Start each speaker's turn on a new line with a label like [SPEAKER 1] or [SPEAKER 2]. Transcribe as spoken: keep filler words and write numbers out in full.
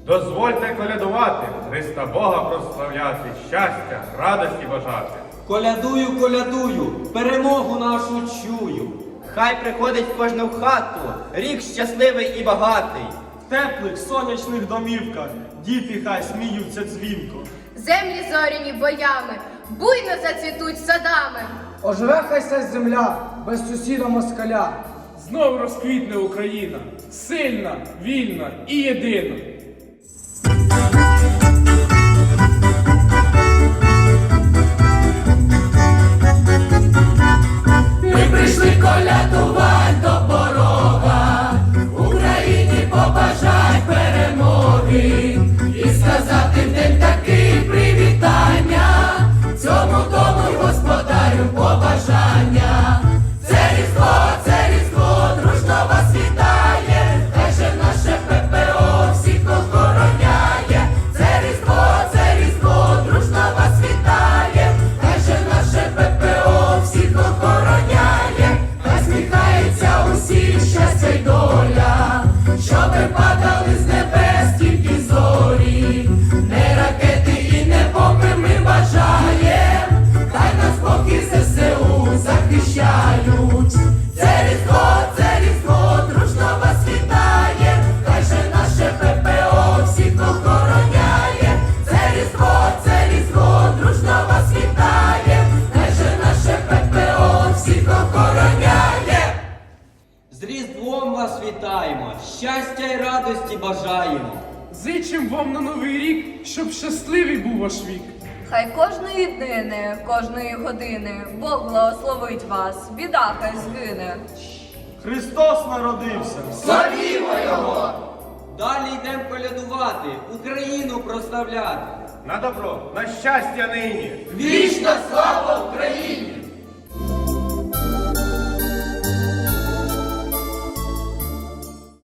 [SPEAKER 1] Дозвольте колядувати, Христа Бога прославляти, щастя, радості бажати.
[SPEAKER 2] Колядую, колядую, перемогу нашу чую.
[SPEAKER 3] Хай приходить в кожну хату рік щасливий і багатий.
[SPEAKER 4] В теплих сонячних домівках діти хай сміються дзвінко.
[SPEAKER 5] Землі зоряні боями, буйно зацвітуть садами.
[SPEAKER 6] Оживе хай ся земля, без сусіда москаля.
[SPEAKER 7] Знов розквітне Україна, сильна, вільна і єдина.
[SPEAKER 8] Ми прийшли колядувати до порога, Україні побажать перемоги і сказати в день такий привітання, цьому дому й господарю побажання. Це Різдво, це Різдво, дружно вас вітає, хай же наше ППО всіх охороняє. Це Різдво, це Різдво, дружно вас вітає, хай же наше ППО всіх охороняє. Хай сміхається усім щастя й доля, щоби падали з небес тільки зорі, не ракети і не бомби ми бажаєм, хай нас поки ЗСУ захищають. Це Різдво, це Різдво, дружно вас вітає, хай же наше ППО всіх охороняє. Це Різдво, це Різдво, дружно вас вітає, хай же наше ППО всіх охороняє.
[SPEAKER 2] З Різдвом вас вітаємо, щастя й радості бажаємо.
[SPEAKER 7] Зичим вам на новий рік, щоб щасливий був ваш вік.
[SPEAKER 9] Хай кожної днини, кожної години Бог благословить вас, біда хай згине.
[SPEAKER 4] Христос народився!
[SPEAKER 8] Славімо Його!
[SPEAKER 2] Далі йдемо колядувати, Україну прославляти.
[SPEAKER 1] На добро, на щастя нині!
[SPEAKER 8] Вічна слава Україні!